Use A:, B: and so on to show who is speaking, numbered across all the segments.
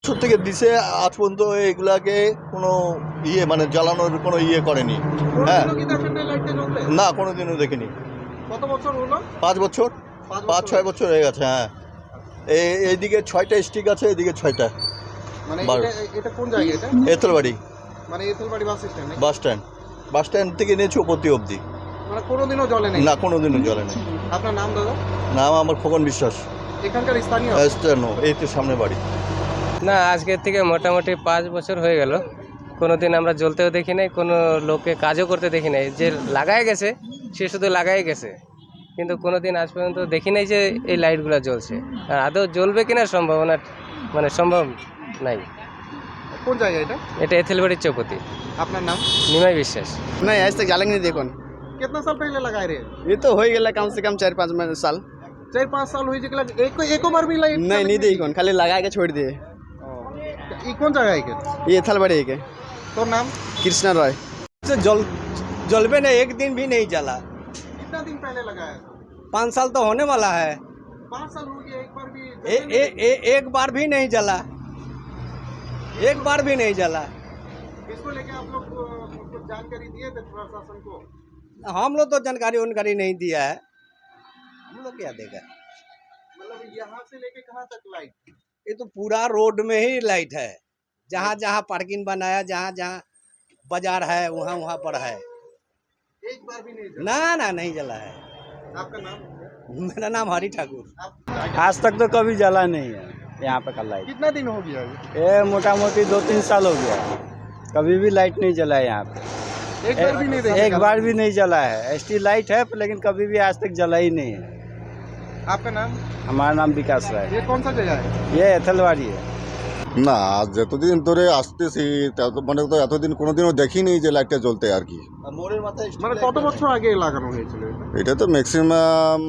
A: বছর থেকে দিছে, আজ পর্যন্ত এগুলাকে কোনো মানে জ্বালানোর কোনো করেনি। হ্যাঁ,
B: কোনোদিনও কি দেখেন নাই লাইটটা জ্বলতে?
A: না কোনোদিনও দেখিনি।
B: কত বছর হলো?
A: 5 বছর, 5-6 বছর হয়ে গেছে। হ্যাঁ, এইদিকে 6টা স্টিক আছে, এদিকে 6টা।
B: মানে
A: বারো।
B: এটা কোন জায়গা এটা?
A: এতলবাড়ি
B: মানে এথলবাড়ি বাস স্ট্যান্ড নাকি?
A: বাস স্ট্যান্ড থেকে নিয়েছি অব্দি অব্দি।
B: মানে কোনোদিনও জ্বলে নাই?
A: না, কোনোদিনও জ্বলে নাই।
B: আপনার নাম দাদা?
A: নাম আমার খোকন বিশ্বাস।
B: এখানকার স্থানীয়?
A: এই তো সামনে বাড়ি।
C: না, আজকের থেকে মোটামুটি 5 বছর হয়ে গেল। কোনোদিন আমরা জ্বলতেও দেখি নাই, কোনো লোককে কাজও করতে দেখি নাই। যে লাগাই গেছে সে শুধু লাগাই গেছে, কিন্তু কোনোদিন আজ পর্যন্ত দেখি নাই যে এই লাইটগুলো জ্বলছে। আর আদৌ জ্বলবে কিনা সম্ভাবনা মানে সম্ভব নাই।
B: কোন জায়গা এটা?
C: এটা এথেলবাড়ির চৌপতি।
B: আপনার नाम?
C: নিমাই বিশ্বাস।
D: नहीं आज तक जलेंगे नहीं देखो।
B: कितना साल पहले लगाए रे?
D: ये तो हो ही गया कम से कम 4-5 साल।
B: 4-5 साल हुई जगला एको बार भी लाइट
D: नहीं नहीं देखो, खाली लगा के छोड़ दिए।
B: ई कौन जगह है के?
D: ये थलबड़ी के।
B: तो नाम?
D: कृष्णा रॉय।
E: से जलबे ने एक दिन भी नहीं जला।
B: कितना दिन पहले लगाया था?
E: 5 साल तो होने वाला है।
B: 5 साल हो गया, एक बार भी
E: एक बार भी नहीं जला, एक बार भी नहीं जला।
B: इसको लेके आप लोग कुछ जानकारी दिए थे प्रशासन को?
E: हम लोग तो जानकारी नहीं दिया है, हम लोग क्या देगा।
B: मतलब यहाँ से लेके कहाँ तक लाइट?
E: ये तो पूरा रोड में ही लाइट है, जहाँ जहाँ पार्किंग बनाया, जहाँ जहाँ बाजार है वहाँ वहाँ पर है।
B: एक बार भी नहीं जला?
E: ना नहीं जला है।
B: आपका नाम?
E: मेरा नाम हरि ठाकुर।
F: आज तक तो कभी जला नहीं है यहाँ पे का लाइट।
B: कितना दिन हो गया?
F: ये मोटा मोटी 2-3 साल हो गया, कभी भी लाइट नहीं जला है यहाँ पे।
B: एक बार भी नहीं देखा?
F: एक बार भी नहीं जला है। एसटी लाइट है लेकिन कभी भी आज तक जला ही नहीं है।
B: आपका नाम?
F: हमारा नाम विकास राय।
B: ये कौन सा जगह है?
F: ये एथलवाड़ी है।
A: না, আজ যতদিন ধরে আসতেছি মানে তো এতদিন কোনোদিনও দেখিনি যে লাইটটা জ্বলতে আর কি। মোড়ের মাথায়
B: মানে কত বছর আগে লাগানো হয়েছিল এটা?
A: এটা তো ম্যাক্সিমাম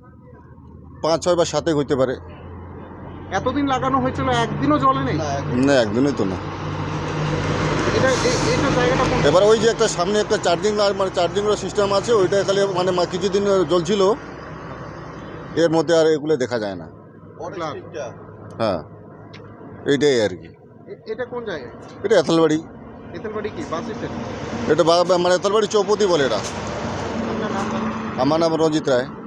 A: 5-6 বা 7 হইতে পারে।
B: এতদিন লাগানো হয়েছিল, একদিনও জ্বলে নেই?
A: না, একদিনই তো না।
B: এটা এটা জায়গাটা কোন?
A: এবার ওই যে একটা সামনে একটা চার্জিং মানে চার্জিংয়ের সিস্টেম আছে, ওইটা খালি মানে কিছুদিন জ্বলছিল, এর মধ্যে আর এগুলো দেখা যায় না। হ্যাঁ, এইটাই আর কি।
B: এটা কোন জায়গায়?
A: এটা এথলবাড়ি।
B: এথলবাড়ি কি বাস স্ট্যান্ড?
A: এটা মানে এথলবাড়ি চৌপতি বলে এটা।
B: আপনার নাম?
A: আমার নাম রঞ্জিত রায়।